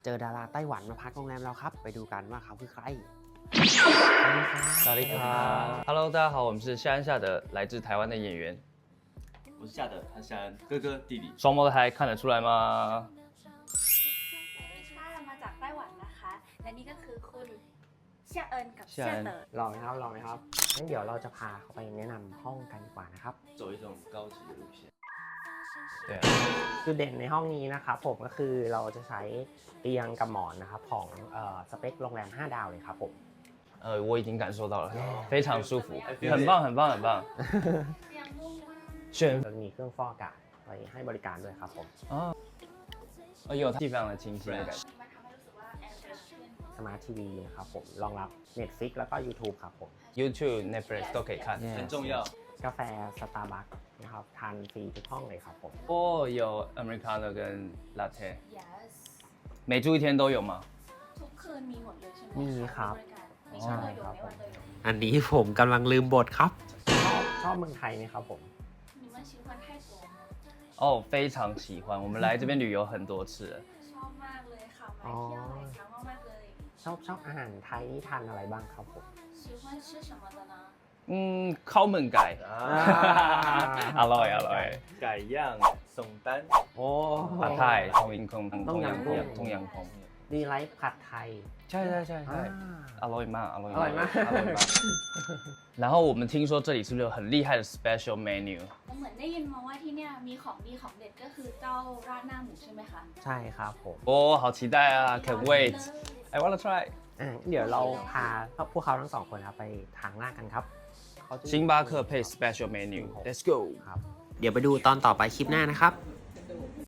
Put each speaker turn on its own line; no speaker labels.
เจอดาราไต้หวันมาพักโรงแรมเราครับไปดูกันว่าเขาคือใคร
สวัสดีครับHello，大家好，我们是夏恩夏德，来自台湾的演员。
我是夏德，他夏恩哥哥弟弟。
双胞胎看得出来吗？
ค่ะมาจากไต้หวันนะคะ และนี่ก็คือคุณเชี่ยเอิญกับเชี่ยเต๋อ
รอไหมครับงั้นเดี๋ยวเราจะพาเขาไปแนะนำห้องกันดีกว่านะครับ
走一种高级的路线。
对啊，
จุดเด่นในห้องนี้นะครับผมก็คือเราจะใช้เตียงกับหมอนนะครับของสเปคโรงแรม5 ดาวเลยครับผม
我已经感受到了，非常舒服，很棒，很棒，很棒。
เตียงนุ่มมาก
选
เรามีเครื่องฟอกอากาศไว้ให้บริการด้วยครับผม
有地非常的清新的感觉。
มันทำให้รู้สึกว่าแอร์เฟรชขึ้น
สมาร์ททีวีนะครับผมรองรับ Netflix แล้วก็ YouTube ครับผม
YouTube、Netflix 都可以看。
很重要。
กาแฟสตาร์บัคนะครับทานฟรีทุกห้องเลยครับผม
有 Americano 跟 Latte，
yes
每住一天都有吗？
ทุกคืนมีหมดเลยใช่ไหม
มีครับ
มีช่วยอยู่ไม่ว่าเลย
อันนี้ผมกำลังลืมบทครับชอบเมืองไทยไหมครับผม
你们喜欢泰国吗
哦，非常喜欢，我们来这边旅游很多次了。
ชอบมากเลยค่ะมาเที่ยวหลายครั้งมากๆเลย
ชอบอาหารไทยนี่ทานอะไรบ้างครับผม
喜欢吃什么的呢
ข้าวมันไก่ อร่อยอร่อย
改样松丹。
โอ้
ผัดไทยทงยิงคง
ต้มยำกุ้ง
ทงยังคง
ดีไลท์ผัดไทย
ใช่ใช่ใช่ใช่อร่อยมากอร่อย
อร่อยมาก
อร่อยมาก然后我们听说这里是不是有很厉害的 special menu？
เหมือนได้ยินมาว่าที่เนี่ยมีของดีของเด็ดก็คือเจ้าราดหน้าหมูใช่ไหมคะ
ใช่ครับผม
哦，好期待啊 ！Can't wait! I wanna try.
เดี๋ยวเราพาพวกเขาทั้งสองคนครับไปทางล่างกันครับ
星巴克配 special menu. Let's go.
ครับเดี๋ยวไปดูตอนต่อไปคลิปหน้านะครับ